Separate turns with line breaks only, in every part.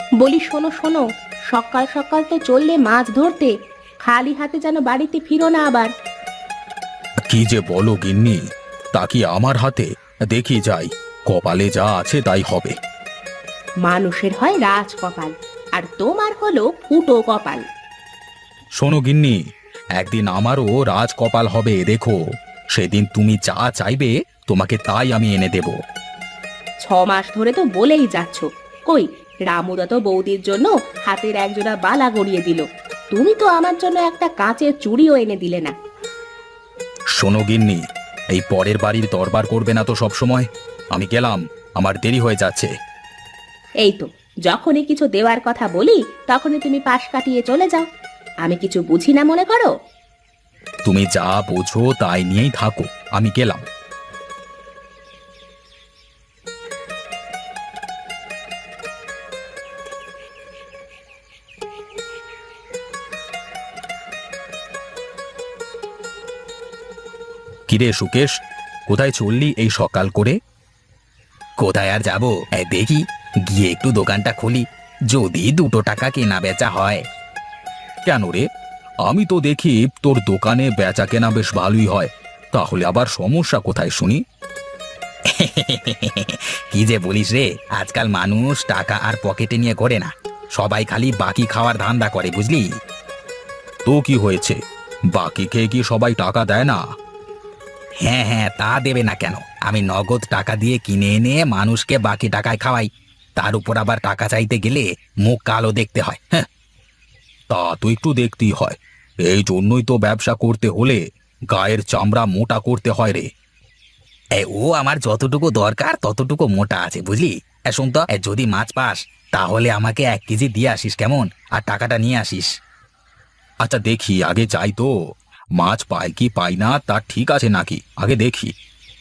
বলি শোনো শোনো, সকাল সকাল তো চললে মাছ ধরতে, খালি হাতে যেন বাড়িতে ফিরো না আবার।
কি যে বলো গিন্নি, তা কি আমার হাতে? দেখি যাই, কপালে যা আছে তাই হবে।
মানুষের হয় রাজ কপাল, আর তোমার হলো ফুটো কপাল।
শোনো গিন্নি, একদিন আমারও রাজ কপাল হবে দেখো। সেদিন তুমি যা চাইবে তোমাকে তাই আমি এনে দেব।
6 মাস ধরে তো বলেই যাচ্ছ, কই রামুদা তো বৌদির জন্য হাতের একজোড়া বালা গড়িয়ে দিল, তুমি তো আমার জন্য একটা কাঁচের চুড়িও এনে দিলে না।
শোনো গিন্নি, এই পরের বাড়ির দরবার করবে না তো সব সময়। আমি গেলাম, আমার দেরি হয়ে যাচ্ছে।
এই তো, যখনই কিছু দেওয়ার কথা বলি তখনই তুমি পাশ কাটিয়ে চলে যাও। আমি কিছু বুঝি না মনে করো?
তুমি যা বোঝো তাই নিয়েই থাকো, আমি গেলাম। কিরে সুকেশ, কোথায় চললি এই সকাল করে?
কোথায় আর যাবো, দেখি গিয়ে একটু দোকানটা খুলি, যদি 2 টাকা কেনা বেচা হয়।
কেন রে? আমি তো দেখি তোর দোকানে বেচা কেনা বেশ ভালোই হয়, তাহলে আবার সমস্যা কোথায় শুনি?
কি যে বলিস রে, আজকাল মানুষ টাকা আর পকেটে নিয়ে ঘোরে না, সবাই খালি বাকি খাওয়ার ধান্দা করে, বুঝলি?
তো কি হয়েছে, বাকি খেয়ে কি সবাই টাকা দেয় না?
হ্যাঁ হ্যাঁ, তা দেবে না কেন? আমি নগদ টাকা দিয়ে কিনে এনে মানুষকে বাকি টাকায় খাওয়াই, তার উপর আবার টাকা চাইতে গেলে মুখ কালো দেখতে হয়। হ্যাঁ,
তা তো একটু দেখতেই হয়, এই জন্যই তো ব্যবসা করতে হলে গায়ের চামড়া মোটা করতে হয় রে।
ও আমার যতটুকু দরকার ততটুকু মোটা আছে, বুঝলি? শোন তো, যদি মাছ পাস তাহলে আমাকে 1 কেজি দিয়ে আসিস কেমন, আর টাকাটা নিয়ে আসিস।
আচ্ছা দেখি, আগে যাই তো, মাছ পাই কি পাই না তা ঠিক আছে নাকি আগে দেখি।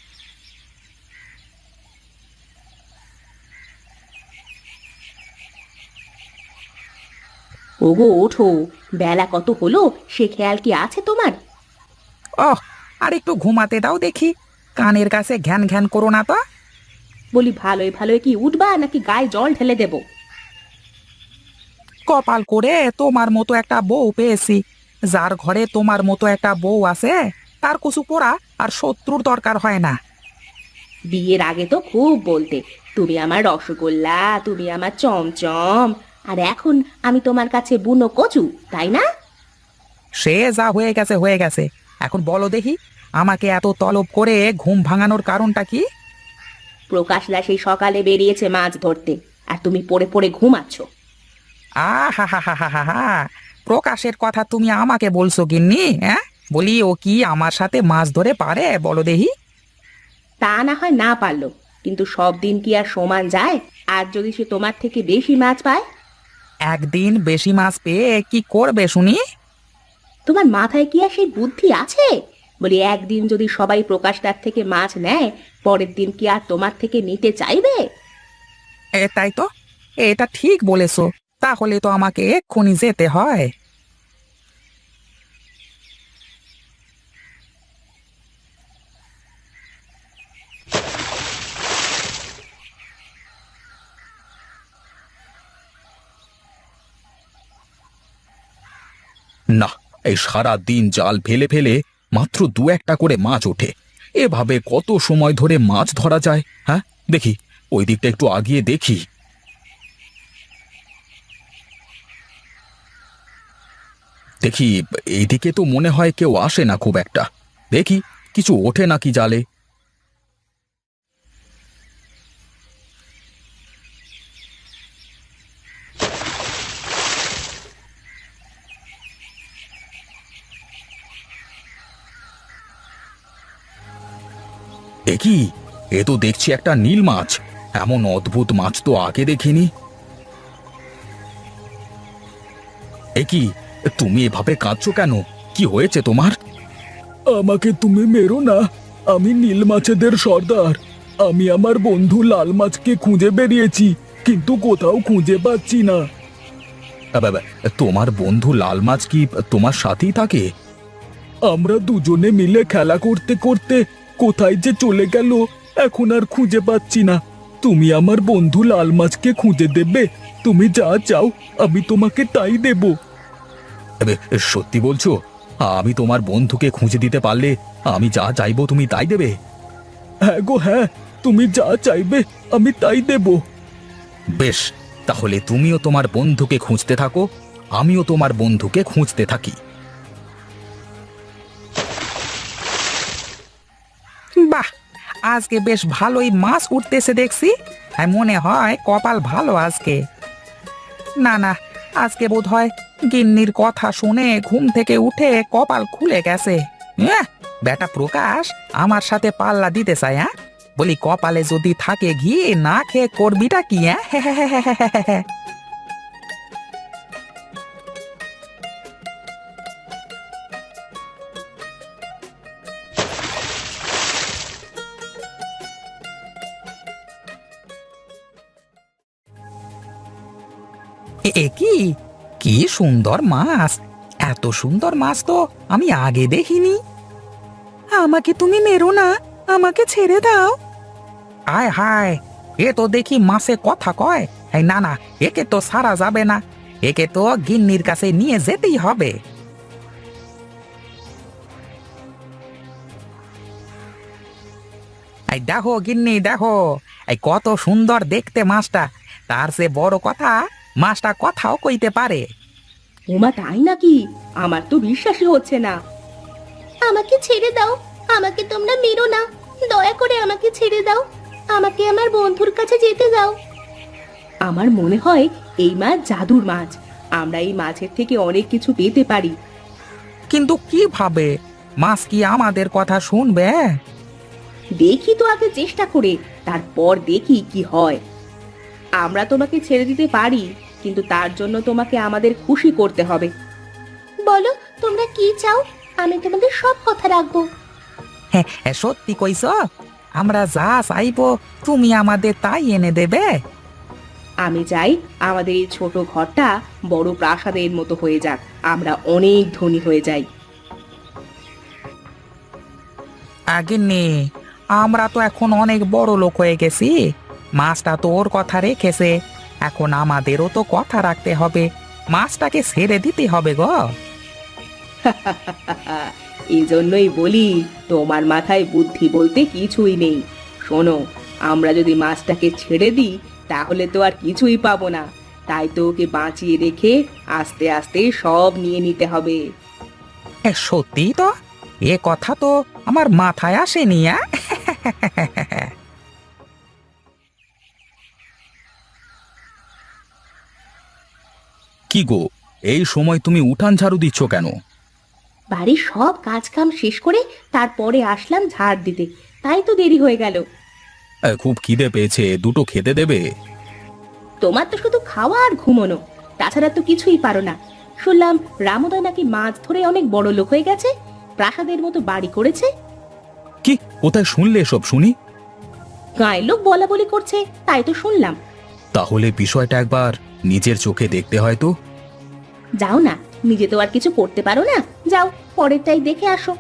ওগো ওঠো, বেলা কত হলো সে খেয়াল কি আছে তোমার?
ওহ, আর একটু ঘুমাতে দাও দেখি, কানের কাছে ঘ্যান ঘ্যান করো না তো।
বলি ভালোই ভালোই কি উঠবা নাকি গায়ে জল ঢেলে দেব?
কপাল করে তোমার মতো একটা বউ পেয়েছি। যার ঘরে তোমার মতো একটা বউ আছে তার কিছু পোড়া আর শত্রুর দরকার হয় না।
বিয়ের আগে তো খুব বলতে, তুমি আমার রসগোল্লা, তুমি আমার চমচম, আর এখন আমি তোমার কাছে বুনো কচু, তাই না?
সে যা হয়ে গেছে হয়ে গেছে, এখন বলো দেখি, আমাকে এত তলব করে ঘুম ভাঙানোর কারণটা কি?
প্রকাশদা সেই সকালে বেরিয়েছে মাছ ধরতে, আর তুমি পড়ে পড়ে ঘুমাচ্ছ।
আহা হা হা হা হা হা, প্রকাশের কথা তুমি আমাকে বলছো গিন্নি? হ্যাঁ, বলি ও কি আমার সাথে মাছ ধরে পারে বলো দেখি?
তা না হয় না পারলো, কিন্তু সব দিন কি আর সমান যায়? আর যদি সে তোমার থেকে বেশি মাছ পায়?
একদিন বেশি মাছ পেয়ে কি করবে শুনি?
তোমার মাথায় কি আর সেই বুদ্ধি আছে? বলি একদিন যদি সবাই প্রকাশদার থেকে মাছ নেয়, পরের দিন কি আর তোমার থেকে নিতে চাইবে?
তাই তো, এটা ঠিক বলেছো, তাহলে তো আমাকে এক্ষুনি যেতে হয়।
না, এই সারা দিন জাল ফেলে ফেলে মাত্র 2-1টা করে মাছ ওঠে, এভাবে কত সময় ধরে মাছ ধরা যায়? হ্যাঁ, দেখি ওই দিকটা একটু আগিয়ে দেখি। দেখি এইদিকে তো মনে হয় কেউ আসে না খুব একটা, দেখি কিছু ওঠে নাকি জালে। দেখি, এ তো দেখছি একটা নীল মাছ, এমন অদ্ভুত মাছ তো আগে দেখিনি। এ কি, তুমি এভাবে কাঁদছো কেন? কি হয়েছে তোমার?
আমাকে তুমি মেরো না, আমি নীল মাছেদের সর্দার। আমি আমার বন্ধু লাল মাছকে খুঁজে বেরিয়েছি, কিন্তু কোথাও খুঁজে পাচ্ছি না।
বাবা, তোমার বন্ধু লাল মাছ কি তোমার সাথেই থাকে?
আমরা দুজনে মিলে খেলা করতে করতে কোথায় যে চলে গেল, এখন আর খুঁজে পাচ্ছি না। তুমি আমার বন্ধু লাল মাছকে খুঁজে দেবে তো? তুমি যা চাও আমি তোমাকে তাই দেব।
এবে, সত্যি বলছো? আমি তোমার বন্ধুকে খুঁজে দিতে পারলে আমি যা চাইবো তুমি তাই দেবে?
হ্যাঁ গো হ্যাঁ, তুমি যা চাইবে আমি তাই দেব।
বেশ, তাহলে তুমিও তোমার বন্ধুকে খুঁজতে থাকো, আমিও তোমার বন্ধুকে খুঁজতে থাকি।
বাহ, আজকে বেশ ভালোই মাছ উঠতেছে দেখছি। হ্যাঁ, মনে হয় কপাল ভালো আজকে। না না, আজকে বোধ হয় গিন্নির কথা শুনে ঘুম থেকে উঠে কপাল খুলে গেছে। বেটা প্রকাশ আমার সাথে পাল্লা দিতে চায়। হ্যাঁ, বলি কপালে যদি থাকে ঘি, না খেয়ে করবিটা কি? হ্যাঁ এ কি কি সুন্দর মাছ! এত সুন্দর মাছ তো আমি আগে দেখিনি। আমাকে তুমি মেরো না, আমাকে ছেড়ে দাও। আয় হায়, এ তো দেখি মাছে কথা কয়। এই না না, একে তো সারা যাবে না, একে তো গিন্নির কাছে নিয়ে যেতেই হবে। এই দেখো গিন্নি, দেখো এই কত সুন্দর দেখতে মাছটা। তার চেয়ে বড় কথা, মাছটা কথাও কইতে পারে।
ওমা তাই নাকি? আমার তো বিশ্বাসই হচ্ছে না। আমাকে ছেড়ে দাও, আমাকে তোমরা মেরো না, দয়া করে আমাকে ছেড়ে দাও, আমাকে আমার বন্ধুর কাছে যেতে দাও। আমার মনে হয় এই মাছ জাদুর মাছ, আমরা এই মাছের থেকে অনেক কিছু পেতে পারি।
কিন্তু কিভাবে? মাছ কি আমাদের কথা শুনবে?
দেখি তো আগে চেষ্টা করে, তারপর দেখি কি হয়। আমরা তোমাকে ছেড়ে দিতে পারি, কিন্তু তার জন্য তোমাকে আমাদের খুশি করতে হবে। বলো তোমরা কি চাও, আমি তোমাদের সব কথা রাখবো।
হ্যাঁ, সত্যি কইছ? আমরা যা চাইবো তুমি আমাদের তাই এনে দেবে?
আমি চাই আমাদের এই ছোট ঘরটা বড় প্রাসাদের মতো হয়ে যাক, আমরা অনেক ধনী হয়ে যাই।
আগে নে, আমরা তো এখন অনেক বড় লোক হয়ে গেছি। মাছটা তো ওর কথা রেখেছে, এখন আমাদেরও তো কথা রাখতে হবে। মাছটাকে ছেড়ে দিতে হবে গো।
এই জন্যই বলি তোমার মাথায় বুদ্ধি বলতে কিছুই নেই। শোনো, আমরা যদি মাছটাকে ছেড়ে দিই তাহলে তো আর কিছুই পাবো না, তাই তো ওকে বাঁচিয়ে রেখে আস্তে আস্তে সব নিয়ে নিতে হবে।
সত্যি তো, এ কথা তো আমার মাথায় আসেনি।
কি গো, এই সময় তুমি উঠান ঝাড়ু দিচ্ছ কেন?
বাড়ির সব কাজ কাম শেষ করে তারপরে আসলাম ঝাড় দিতে, তাই তো দেরি হয়ে গেল।
খুব খিদে পেয়েছে, দুটো খেতে দেবে?
তোমার তো শুধু খাওয়া আর ঘুমোনো, তাছাড়া তো কিছুই পারো না। শুনলাম রামুদা নাকি মাছ ধরে অনেক বড় লোক হয়ে গেছে, প্রাসাদের মতো বাড়ি করেছে।
কি, কোথায় শুনলে এসব শুনি?
গায়ের লোক বলা বলি করছে, তাই তো শুনলাম।
তাহলে বিষয়টা একবার নিজের চোখে দেখতে হয় তো।
যাও না, নিজে তো আর কিছু করতে পারো না, যাও পরেরটাই দেখে আসো।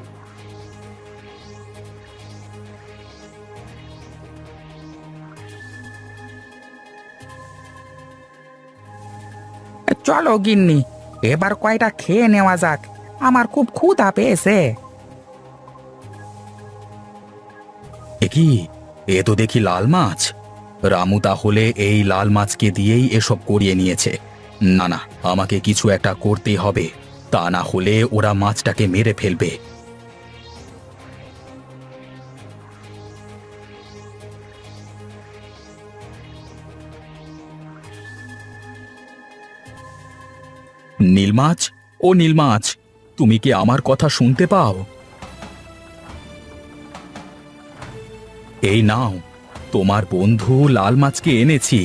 চলো গিন্নি, এবার কয়টা খেয়ে নেওয়া যাক, আমার খুব ক্ষুধা পেয়েছে।
এ কি, এ তো দেখি লাল মাছ। রামু তাহলে এই লাল মাছকে দিয়েই এসব করিয়ে নিয়েছে। না না, আমাকে কিছু একটা করতেই হবে, তা না হলে ওরা মাছটাকে মেরে ফেলবে। নীলমাছ, ও নীলমাছ, তুমি কি আমার কথা শুনতে পাও? এই নাও, তোমার বন্ধু লাল মাছকে এনেছি।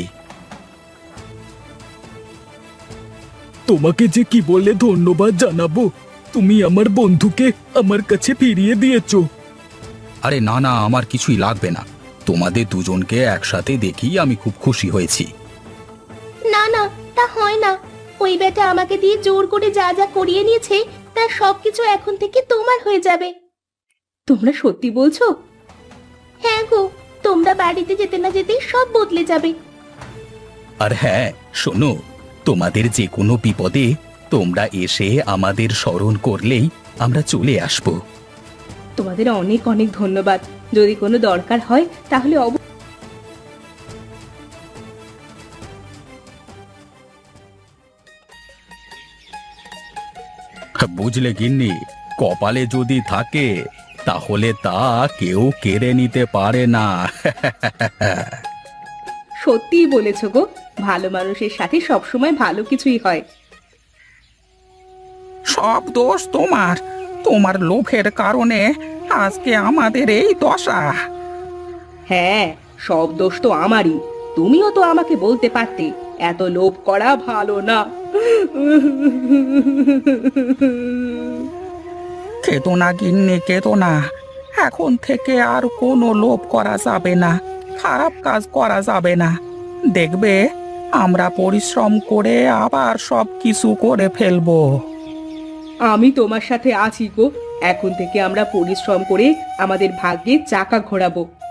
তোমাকে যে কি বলে ধন্যবাদ জানাবো, তুমি আমার বন্ধুকে আমার কাছে ফিরিয়ে দিয়েছো।
আরে না না, আমার কিছুই লাগবে না, তোমাদের দুজনকে একসাথে দেখি আমি খুব খুশি হয়েছি।
না না, তা হয় না, ওই বেটা আমাকে দিয়ে জোর করে যা যা করিয়ে নিয়েছে তার সবকিছু এখন থেকে তোমার হয়ে যাবে। তোমরা সত্যি বলছো? হ্যাঁ গো, তোমরা বাড়িতে যেতে না যেতেই সব বদলে যাবে।
আর হ্যাঁ শোনো, তোমাদের যে কোনো বিপদে তোমরা এসে আমাদের স্মরণ করলেই আমরা চলে আসব।
তোমাদের অনেক অনেক ধন্যবাদ। যদি কোনো দরকার হয় তাহলে
বুঝলে গিন্নি, কপালে যদি থাকে তাহলে তা কেউ কেড়ে নিতে পারে না।
সত্যিই বলেছো গো, ভালো মানুষের সাথে সবসময় ভালো কিছুই হয়।
সব দোষ তোমার, তোমার লোভের কারণে আজকে আমাদের এই দশা।
হ্যাঁ, সব দোষ তো আমারই। তুমিও তো আমাকে বলতে পারতে এত লোভ করা ভালো না।
কেতো না গিন্নি, কেতো না। এখন থেকে আর কোনো লোভ করা যাবে না, খারাপ কাজ করা যাবে না। দেখবে আমরা পরিশ্রম করে আবার সব কিছু করে ফেলবো।
আমি তোমার সাথে আছি গো। এখন থেকে আমরা পরিশ্রম করে আমাদের ভাগ্যের চাকা ঘোরাবো।